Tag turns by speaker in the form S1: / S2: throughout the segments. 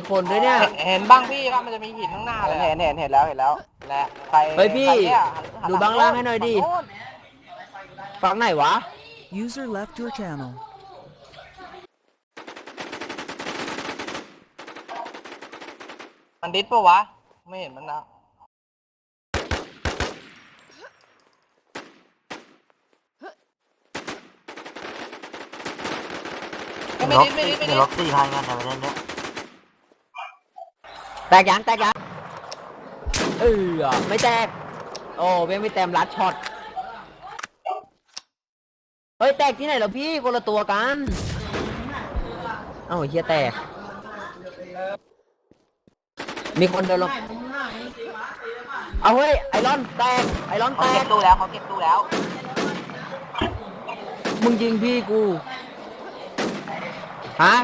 S1: คนด้วยเนี่ย
S2: เห็นบ้างพี่ว่ามันจะมีหินข้างหน้าเลย
S3: เห็นแล้วแหละใคร
S1: เฮ้ยพี่
S3: เนี่ย
S1: ดูบ้างล่างให้หน่อยดิฝั่งไหนวะ
S4: User left your channel.
S2: มันดิสปะวะไม่เห็นมันนะไม่ดิส
S3: ล็อกซี่ทายกันแต่ประเด็นเนี้ย
S1: แตกยังไม่แตกโอ้เบี้ยไม่แต้มลัดช็อตเฮ้ยแตกที่ไหนเหรอพี่คนละตัวกันเอ้าเฮียแตกมีคนเดินลงเอาเฮ้ยไอรอนแตก
S3: เขาเก็บตู้แล้ว
S1: มึงยิงพี่กูฮะ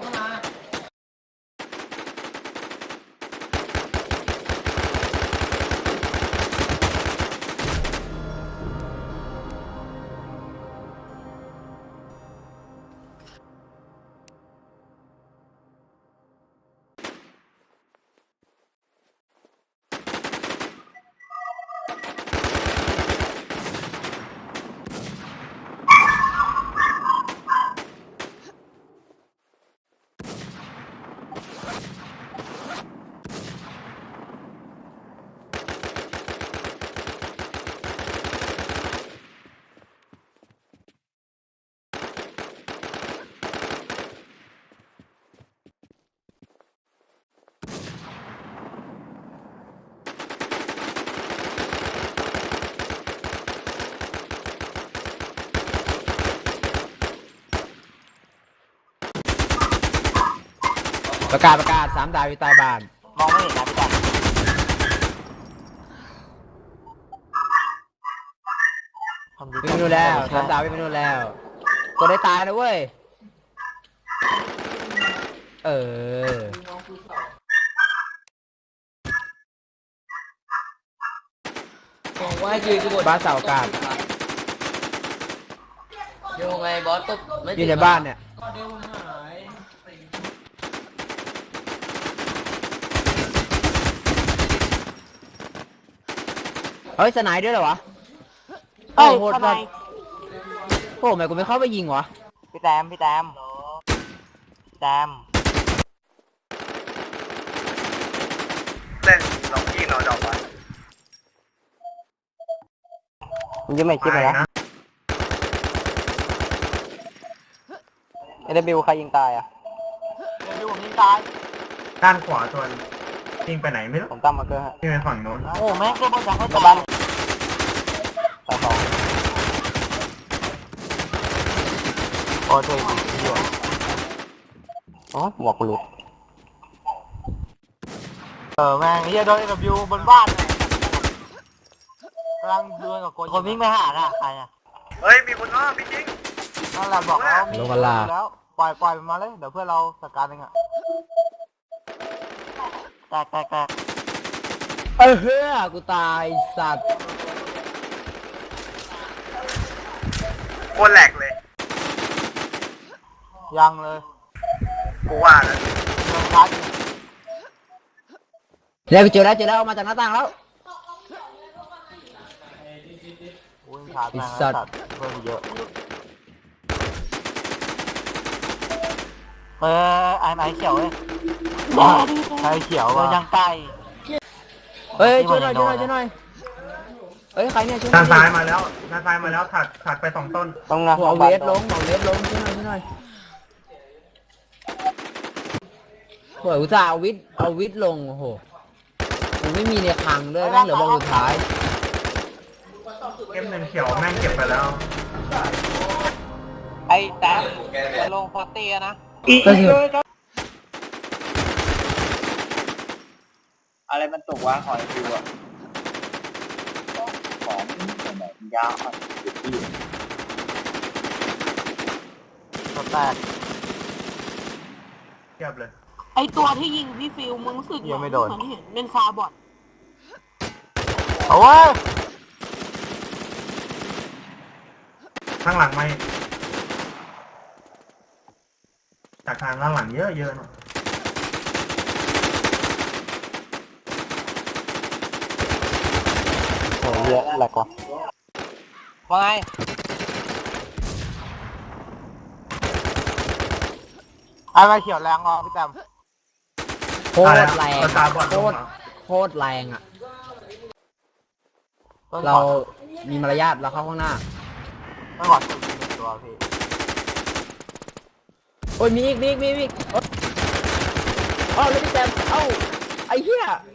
S1: ประกาศ3 ดาวอยู่ใต้บ้าน
S3: มองไม่เห็นนะพี่แจ๊
S1: วิ่งไปนู่นแล้ว3 ดาววิ่งไปนู่นแล้วตัวได้ตายนะเว้ย
S2: บอกว่ายืนกันหมด
S1: บ้านเสาอากาศ
S2: ยังไงบอสตบไม่
S1: อยู่ในบ้านเนี่ยเฮ้ยสไนด์ด้วยเหรอวะโอ้โหดจัดโอ้ทำไมกูไม่เข้าไปยิงวะ
S3: พี่แตมเล่นล็อกกี้นอดอกวะมันยังไม่คิดเลยนะบิวใครยิงตายอ่ะบิวผมยิงตาย
S5: ด้านขวาตัวยิงไปไหนไม่รู้
S3: ผมตั้งมาเกอร์ฮะ
S5: ยิงไปฝั่งโน้น
S3: โอ้แม่งเก็บบอลจากเขาบ้านสายสองโอ้ช่วยดีเหี้ยอ๋อหมวกกูหลุดแม่งเฮียโดนบิวบนบ้านเลยกำลังเดินกับคนวิ่งไปหาอ่ะใครอ่ะ
S5: เฮ้ยมีคนอ้อมพี่จริง
S3: นั่นแหละบอกแล้วมี
S1: ลงกันลา
S3: แล้วปล่อยมันมาเลยเดี๋ยวเพื่อนเราจัดการเองอ่ะแตก
S1: เฮ้ยกูตายสัตว์
S5: โคตรแหลกเลย
S3: ยังเลย
S5: กูว่าแล้ว
S3: ยังช้าอยู่
S1: เจอแล้วออกมาจากหน้าต่างแล้ว
S3: อุ้ยขาด
S1: ไอ้
S3: แม่ง
S1: สั
S3: แล้ว
S1: ตว์
S3: เพิ่มเยอะไอ้เขียวเลยไอ้เขียวว่ะยังไกล
S1: เฮ้ยช่วยหน่อยเฮ้ยใครเนี่ยช่วยหน่
S5: ด้านซ้าย
S1: อย
S5: มาแล้วถัดไป2 ต้น
S3: ต้องนะ
S1: เอาเวทลงช่วยหน่อยโอ้ยอุตส่าห์เอาวิทลงโอ้โหกูไม่มีในคลังด้วยแม่งเหลือบอลสุดท้าย
S5: เก็บ1 เขียวแม่งเก็บไปแล้ว
S2: ไอ้แต้มจะลงพอเตียนะ
S3: อะไรมันตกวะหอยฟิวอ่ะของแบบยาวอ่ะที่ตัวแตก
S5: เทียบเลย
S6: ไอตัวที่ยิงพี่ฟิวมึงรู้สึกเหมือนเห็นเป็นคาร์บอด
S3: โอ้ย
S5: ข้างหลังไม่จากทางด้านหลังเยอะหน่อย
S3: โอ้ยเหี้ยแหลกว่ะ
S2: ว่าไง
S3: ไอ้มาเขียวแรงอ่ะพี่แต้ม
S1: โคตรแรง
S5: ตาบอด
S1: โค
S5: ลง
S1: ตร
S5: เหรอ
S1: โคตรแรงอ่ะ
S3: ต้น
S1: เรา
S3: ขอ
S1: มีมารยาทเราเข้าข้างหน้า
S3: ต้นขอจุดหนึ่งตัวพี่
S1: โอ้ยมีอีกเอ้าแล้วพี่แซมเอ้าไอ้เหี้ย